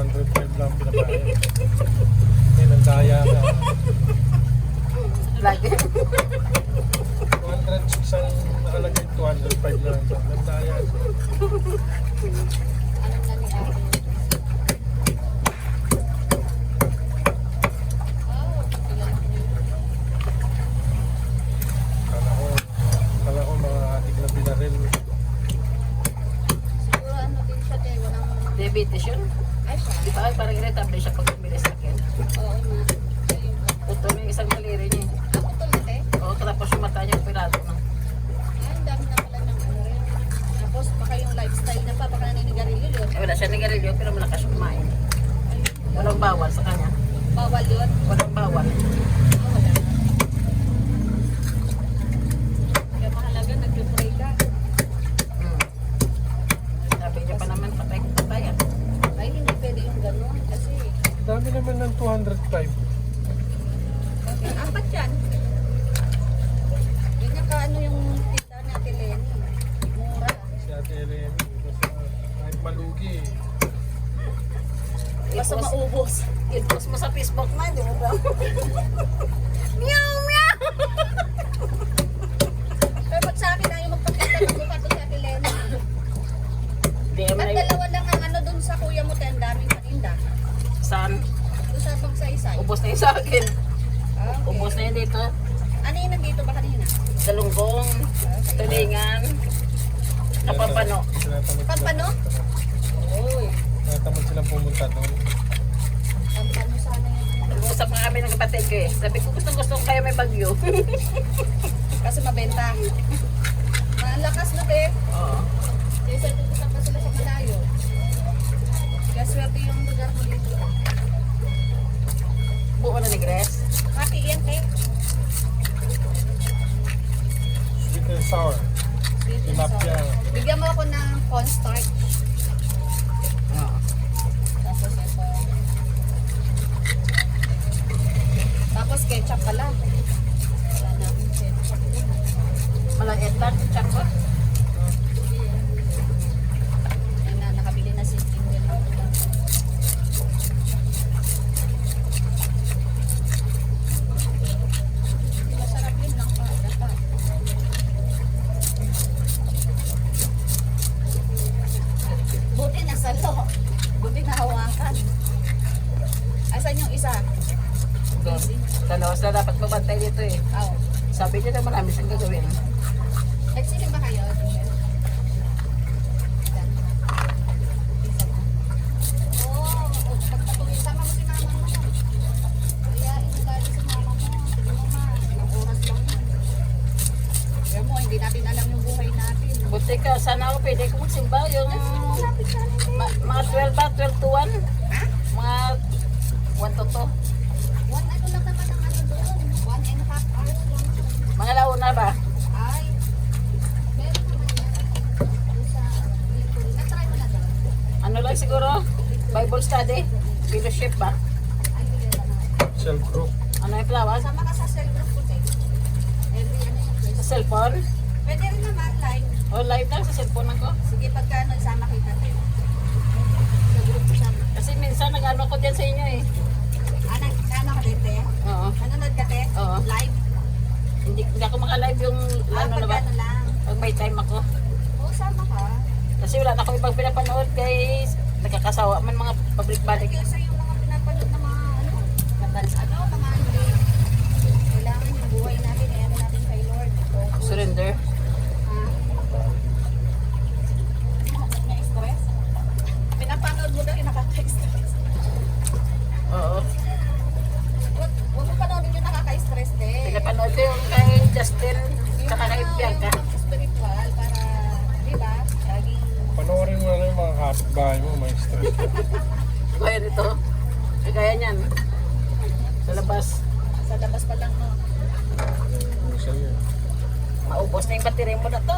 205 lang pinabayad. May nandaya ka. Lagi. 206 ang nakalagay, 205 lang. Nandaya siya. Anong na ni Ate? Oh, kilala ko yun. Kala ko mga ating na binaril. Siguro ano din siya, te, walang... Diabetes yun. Ay, siya. Di ba? Parang irritable siya pag bumili sa akin. Oo nga. Ayun. Puto na yung isang daliri niya. Ako to na, te. Oo, tapos yung mata niya pirado na. Ay, ang dami na pala ng ano rin. Tapos baka yung lifestyle na pa, baka naninigarilyo yun. Eh, wala siya nigarilyo pero malakas yung kumain. Walang bawal sa kanya. Bawal yun. Walang bawal. Oh, wala na. Kaya mahalaga, nag-pray ka. Hmm. Sabi niya pa naman patay kung patay. Ay, hindi pwede yung gano'n. Kasi, Dami naman ng 205. bakit? Apat yan. Yun yung kaano yung tita ni Ate Lenny. Mura. Si Ate Eleni. Basta kahit malugi. Basta I-post- maubos. I-post mo sa Facebook na, di mo ba? Meow, meow! Pero ba't sa akin na yung magpakita ng mukha to si Ate Lenny? Di mo Ba't na dalawa lang ang ano dun sa kuya mo, te, ang daming paninda? saan? Doon sa bang saysay? Ubos na yun sa akin. Ah, okay. Ubos na yun dito. Ano yung nandito ba kanina? Dalunggong, tulingan, kapampano. Tinatamad Pampano? Uy, Tinatamad silang pumunta doon. pampano sana yan. Nag-uusap nga kami ng kapatid ko eh. Sabi ko gusto kaya may bagyo. Kasi mabenta. Malakas na, te. Oo. Kasi pupunta pa sila sa malayo. Kaya swerte yung lugar mo dito. Buo na ni Grace. Happy yan, te. Sweet and sour. Sweet and Tilapia. sour. Bigyan mo ako ng cornstarch. Oo. Tapos ito. Tapos ketchup pala. Wala na akong ketchup. Walang etan, tsaka. Yan na, nakabili na si Ingrid ng ulam. Masarap yun lang pa. Dapat. Buti nasa lo. Buti nahawakan. Asan yung isa? Busy. Dalawa sila dapat magbantay dito eh. Oh. Sabi niya na marami siyang gagawin. Nagsilim ba kayo? Oo, pagpatuloy, sama mo si mama mo. Kaya inugali si mama mo. Sige mo ma, ilang oras lang yun. Kaya mo, hindi natin alam yung buhay natin. Buti ka, sana ako pwede ko magsimba yung Malapit sa atin eh. mga 12 ba? 12 to 1? Ha? Mga 1 to 2. One ano lang naman ang ano doon. 1.5 hours lang. Mga launa ba? Ay, meron naman yan. Doon sa Victory. Na-try mo na doon? Ano lang siguro? Bible study? Fellowship ba? Ay, hindi na naman. Self group. Ano yung flowers? Sama ka sa cell group ko, te. Every ano yung Sa place. cellphone? Pwede rin naman, live. O live lang sa cellphone ako. Sige, pagka ano, sama kita, te. Sa group ko sama. Kasi minsan nag-ano ko dyan sa inyo eh. Ano ka din, te? Oo. Nanonood ka, te? Oo. Live? Hindi ako maka-live yung ano na ba? Pagka ano lang. Pag may time ako. Oo, sama ka. Kasi wala na ako ibang pinapanood guys. Nagkakasawa man mga pabalik-balik. Kaya sa yung mga pinapanood na mga ano, mga hindi. Kailangan yung buhay natin, eh, ano natin kay Lord. Focus. Surrender. Na-stress? Pinapanood mo daw yung nakaka-stress. Oo. Huwag mo panoodin yung nakaka-stress, te. Pinapanood ko yung kay Justin. Saka kay Bianca. Yung spiritual para, di ba? Laging, Panoorin mo na yung mga kapitbahay mo, may stress ka. Kaya nito. Kaya niyan. Sa labas. sa labas pa lang, no? Ano sa'yo? Maubos na yung battery mo na to.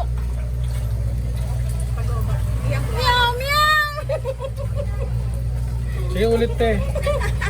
Pag-uba. Meow, meow! Sige ulit te.